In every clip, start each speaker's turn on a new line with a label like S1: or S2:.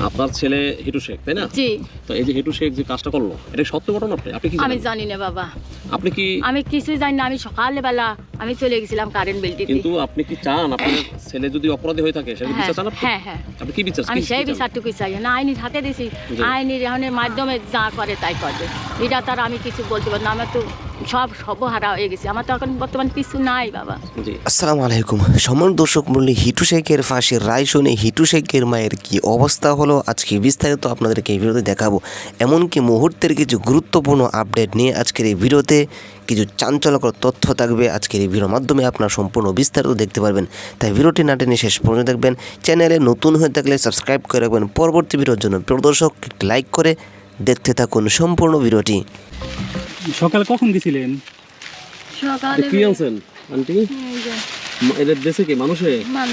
S1: আপনার ছেলে হিটু শেখ, তাই না?
S2: জি।
S1: তো এই যে হিটু শেখ যে কাজটা করলো, এটা সত্য ঘটনা? আপনি কি
S2: আমি জানি না বাবা,
S1: আপনি কি?
S2: আমি কিছুই জানি না। আমি সকালবেলা আমি চলে গেছিলাম কারেন্ট বিল দিতে।
S1: কিন্তু আপনি কি চান আপনার ছেলে যদি অপরাধী হয়ে থাকে সেটা বিচার চান?
S2: হ্যাঁ হ্যাঁ,
S1: আপনি কি বিচার?
S2: আমি সেই বিচারটুকুই চাই না। আইনের হাতে দিছি, আইনের এখানের মাধ্যমে যা করে তাই করবে। এটা তার আমি কিছু বলতে পারি না। আমার তো সব সর্বহারা হয়ে গেছে, আমার তো এখন বর্তমান কিছু নাই বাবা।
S3: আসসালামু আলাইকুম। সম্মান দর্শক মণ্ডলী, হিটু শেখের ফাঁসির রায় শুনে হিটু শেখের মায়ের কি অবস্থা হলো আজকে বিস্তারিত আপনাদেরকে এই ভিডিওতে দেখাবো। এমনকি মুহূর্তের কিছু গুরুত্বপূর্ণ আপডেট নিয়ে আজকের এই ভিডিওতে কিছু চাঞ্চল্যকর তথ্য থাকবে। আজকের এই ভিডিওর মাধ্যমে আপনারা সম্পূর্ণ বিস্তারিত দেখতে পারবেন, তাই ভিডিওটি না টেনে শেষ পর্যন্ত দেখবেন। চ্যানেলে নতুন হয়ে থাকলে সাবস্ক্রাইব করে রাখবেন পরবর্তী ভিডিওর জন্য। প্রিয় দর্শক, একটি লাইক করে দেখতে থাকুন সম্পূর্ণ ভিডিওটি।
S4: সকালে কখন গেছিলেন?
S2: সকালে
S1: কি আনছেন আন্টি? এটা দেশে কি মানুষে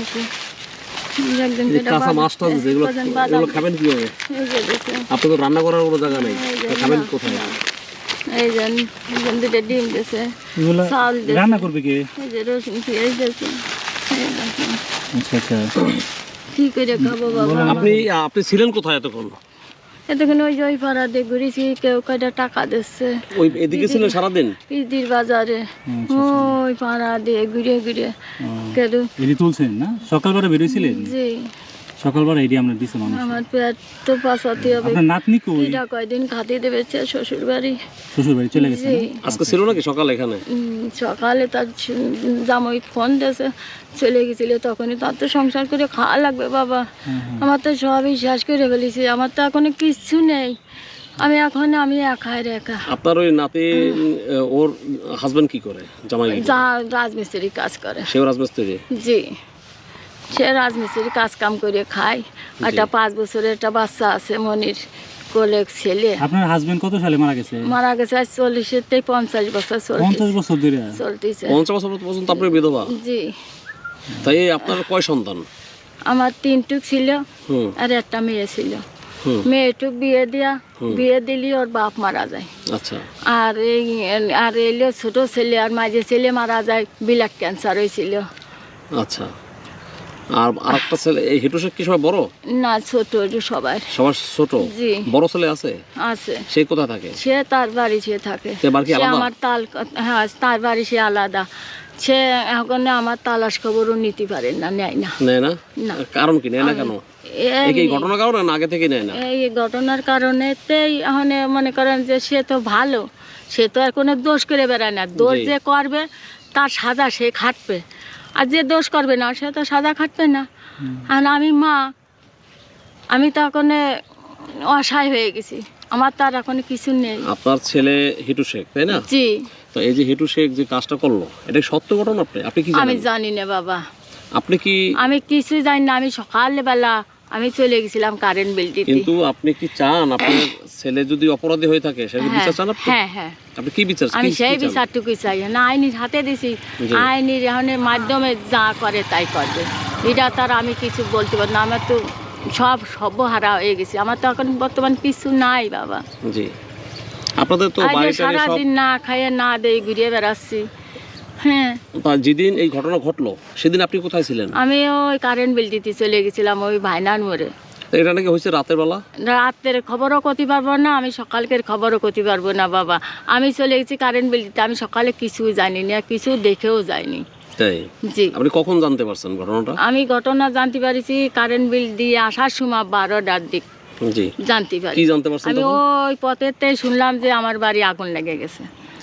S1: কাঁচা মাছ টাছ যেগুলো এগুলো খাবেন কিভাবে? আপনি তো রান্না করার কোনো জায়গা নেই, খাবেন কোথায়?
S2: এই যে দুটো ডিম দিয়েছে,
S4: এগুলো
S2: চাল দিয়েছে,
S4: রান্না করবে কে?
S2: এই যে রসুন পেঁয়াজ দিয়েছে।
S4: আচ্ছা আচ্ছা,
S2: কি করে খাবো বাবা?
S1: আপনি ছিলেন কোথায় এতক্ষণ?
S2: এতক্ষণ ওই যে ওই পাড়া দিয়ে ঘুরেছি, কেউ কয়টা টাকা দিচ্ছে।
S1: ওই এদিকে ছিলেন সারাদিন?
S2: পিদির বাজারে ওই পাড়া দিয়ে ঘুরে ঘুরে কেন
S4: এটি তুলছেন না? সকালবেলা বেরিয়েছিলেন?
S2: জি।
S4: সকালবেলা এটি আমরা দিছি মানুষ।
S2: আমার পেট তো পাশাতে হবে।
S4: আপনার নাতনি কই?
S2: এটা কয়দিন খাতে দেবে শ্বশুর বাড়ি।
S4: শ্বশুর বাড়ি চলে গেছে?
S2: জি।
S1: আজকে ছিল নাকি সকালে এখানে?
S2: সকালে তার জামাই ফোন দিয়েছে, চলে গেছিল। তখনই তার তো সংসার করে খাওয়া লাগবে বাবা। আমার তো সবই শেষ করে ফেলেছি, আমার তো এখনো কিচ্ছু নেই। আমি একাই একা।
S1: আপনার ওই নাতি ওর হাজবেন্ড কি করে? জামাই
S2: যা রাজমিস্ত্রি কাজ করে।
S1: সেও রাজমিস্ত্রি?
S2: জি, সে রাজমিস্ত্রি কাজ কাম করে খায়। একটা 5 বছরের একটা বাচ্চা আছে, মনির কোলে ছেলে।
S4: আপনার হাজবেন্ড কত সালে মারা গেছে?
S2: মারা গেছে আজ 40 থেকে 50 বছর
S4: 50 বছর ধরে
S2: চলতেছে।
S1: 50 বছর পর্যন্ত আপনি বিধবা?
S2: জি।
S1: তাই আপনার কয় সন্তান?
S2: আমার 3টুক ছিল আর একটা মেয়ে ছিল। মেয়েটুক বিয়ে দিলি ওর বাপ মারা যায়।
S1: আচ্ছা।
S2: আর এলো ছোট ছেলে আর মাঝে ছেলে মারা যায়, ব্লাড ক্যান্সার হয়েছিল।
S1: আচ্ছা। আর আরেকটা ছেলে এই হিটু শেখ কি সবাই বড়?
S2: না, ছোট সবার
S1: ছোট।
S2: জি।
S1: বড় ছেলে আছে?
S2: আছে।
S1: সে কোথায় থাকে?
S2: সে তার বাড়ি সে থাকে।
S1: সে
S2: আমার তার বাড়ি সে আলাদা। সে এখন আমার তালাশ খবরও নিতে পারে না, নেয় না।
S1: নেয় না? কারণ কি নেয় না কেন? এই ঘটনার কারণে না আগে থেকে নেয় না?
S2: এই ঘটনার কারণেতেই এখন মনে করেন যে সে তো ভালো, সে তো আর কোনো দোষ করে বেড়ায় না। দোষ যে করবে তার সাজা সে খাটবে, আর যে দোষ করবে না সে তো সাজা খাটবে না। আর আমি মা, আমি তো এখন অসহায় হয়ে গেছি, আমার তো আর এখন কিছু নেই।
S1: আপনার ছেলে হিটু শেখ, তাই না?
S2: জি।
S1: তো এই যে হিটু শেখ যে কাজটা করলো, এটা সত্য ঘটনা? আপনি কি জানেন?
S2: আমি জানি না বাবা,
S1: আপনি কি? আমি
S2: কিছুই জানি না। আমি সকালবেলা আমি চলে গেছিলাম কারেন্ট বিল দিতে।
S1: কিন্তু আপনি কি চান আপনার ছেলে যদি অপরাধী হয়ে থাকে সেটা বিচার চান?
S2: হ্যাঁ হ্যাঁ,
S1: আপনি কি বিচার?
S2: আমি সেই বিচারটুকুই চাই না। আইনের হাতে দিছি, আইনের এখানের মাধ্যমে যা করে তাই করবে। এটা তার আমি কিছু বলতে পারি না। আমার তো সব সর্বহারা হয়ে গেছে, আমার তো এখন বর্তমান কিছু নাই বাবা।
S1: জি। আপনাদের তো
S2: সারাদিন না খাইয়ে না দিয়ে ঘুরিয়ে বেড়াচ্ছি। হ্যাঁ।
S1: যেদিন এই ঘটনা ঘটলো সেদিন আপনি কোথায় ছিলেন?
S2: আমি ওই কারেন্ট বিল দিতে চলে গেছিলাম ওই ভাইনার মোড়ে।
S1: এটা নাকি হয়েছে রাতের বেলা?
S2: রাতের খবরও করতে পারবো না, আমি সকালকের খবরও করতে পারবো না বাবা। আমি চলে গেছি কারেন্ট বিল দিতে, আমি সকালে কিছু জানি না, কিছু দেখেও যাইনি।
S1: তাই? জি। আপনি কখন জানতে পারছেন ঘটনাটা? আমি
S2: ঘটনা জানতে পারিছি কারেন্ট বিল দিয়ে আসার সময় 12টার দিক।
S1: জি।
S2: জানতে পারি।
S1: কি জানতে পারছেন?
S2: আমি ওই পথেতে শুনলাম যে আমার বাড়ি আগুন লেগে গেছে।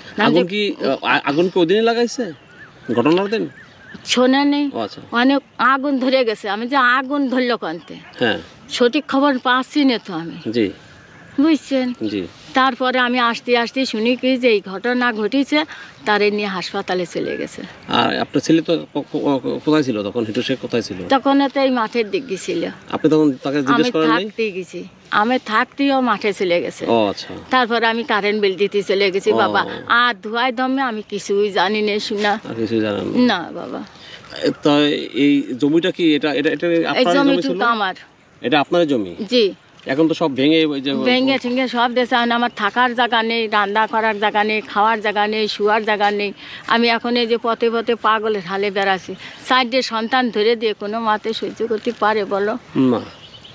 S1: আগুন কি ওদিনই লাগাইছে ঘটনার দিন?
S2: শোনেনি, অনেক আগুন ধরে গেছে। আমি যে আগুন ধরলো কানতে, সঠিক খবর পাচ্ছি না তো আমি। জি। বুঝছেন? জি। তারপরে আমি আসতে আসতে শুনি কি যে এই ঘটনা ঘটেছে, তারে নিয়ে হাসপাতালে চলে গেছে।
S1: আর আপনার ছেলে তো কোথায় ছিল তখন? হিটু শেখ কোথায় ছিল
S2: তখন? তো এই মাঠের দিক গেছিল।
S1: আপনি তখন তাকে জিজ্ঞেস করেন নাই?
S2: থাকতেই গেছি, আমি থাকতেও মাঠে চলে গেছে। ও আচ্ছা। তারপরে আমি কারেন্ট বিল দিতে চলে গেছি বাবা। আর ধোয়ায় দমে আমি কিছুই জানি না, শোনা কিছুই জানেন না বাবা।
S1: তা এই জমিটা কি এটা এটা এটা আপনার জমি ছিল?
S2: আমার।
S1: এটা আপনার জমি?
S2: জি।
S1: এখন তো সব ভেঙে
S2: ঠেঙে সব দেশে। আমার থাকার জায়গা নেই, রান্না করার জায়গা নেই, খাওয়ার জায়গা নেই, শুয়ার জায়গা নেই। আমি এখন এই যে পথে পথে পাগলের হালে বেড়াচ্ছি। সাইডে সন্তান ধরে দিয়ে কোনো মাতে সহ্য করতে পারে বলো?
S1: না।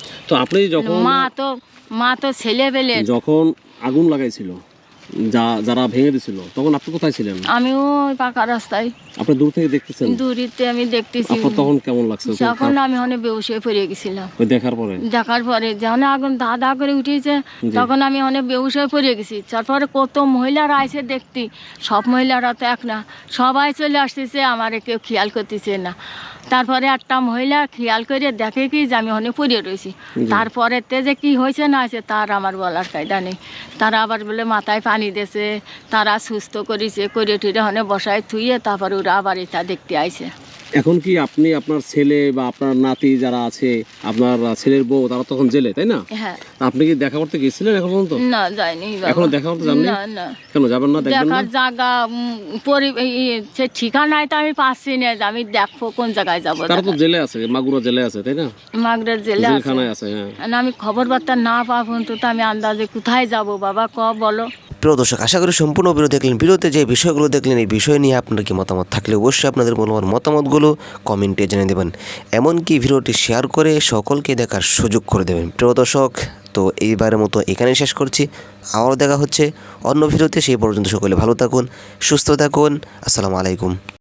S1: তো আপনি যখন
S2: মা তো ছেলে পেলে
S1: যখন আগুন লাগাইছিল, যারা ভেঙে দিছিল, তখন আপনি কোথায় ছিলেন?
S2: আমি ওই পাকা রাস্তায়
S1: আপনি দূর থেকে দেখতেছেন?
S2: দূরিতে আমি দেখতেছি।
S1: আপনার তখন কেমন লাগছে
S2: তখন আমি অনেক বেহুশ হয়ে পড়ে গেছিলাম।
S1: ওই দেখার পরে
S2: যখন আগুন দা করে উঠেছে তখন আমি অনেক বেহুশ হয়ে পড়ে গেছি। তারপরে কত মহিলারা আইসে দেখতি, সব মহিলারা তো এক না, সবাই চলে আসতেছে, আমারে কেউ খেয়াল করতেছে না। তারপরে একটা মহিলা খেয়াল করে দেখে কি যে আমি অনেক পড়ে রয়েছি। তারপরে যে কি হয়েছে না হয়েছে তার আমার বলার কায়দা নেই। তারা আবার বলে মাথায় পানি দিয়েছে, তারা সুস্থ করেছে, করে টুরে অনেক বসায় থুয়ে তারপরে ওরা আবার এটা দেখতে আইছে।
S1: এখন কি আপনি আপনার ছেলে বা আপনার নাতি যারা আছে, আপনার ছেলের বউ, তারা তখন জেলে, তাই না?
S2: হ্যাঁ।
S1: আপনি কি দেখা করতে গেছিলেন এখন পর্যন্ত?
S2: না, যাইনি বাবা।
S1: এখনো দেখা করতে যাননি?
S2: না না।
S1: কেন যাবেন না? দেখবেন না?
S2: দেখার জায়গা সে ঠিকানায় তো আমি পাচ্ছি না যে আমি দেখবো কোন জায়গায় যাবো।
S1: তারা তো জেলে আছে, মাগুরা জেলে আছে, তাই না?
S2: মাগরের জেলে
S1: জেলখানায় আছে, হ্যাঁ।
S2: আমি খবর বার্তা না পাবো তো আমি আন্দাজে কোথায় যাব বাবা, বলো।
S3: প্রিয় দর্শক, আশা করি সম্পূর্ণ ভিডিও দেখলেন। ভিডিওতে যে বিষয়গুলো দেখলেন, এই বিষয় নিয়ে আপনার কি মতামত থাকলে অবশ্যই আপনাদের মূল্যবান মতামতগুলো কমেন্টে জানিয়ে দেবেন। এমনকি ভিডিওটি শেয়ার করে সকলকে দেখার সুযোগ করে দেবেন। প্রিয় দর্শক, তো এইবারের মতো এখানেই শেষ করছি। আবারও দেখা হচ্ছে অন্য ভিডিওতে। সেই পর্যন্ত সকলে ভালো থাকুন, সুস্থ থাকুন। আসসালামু আলাইকুম।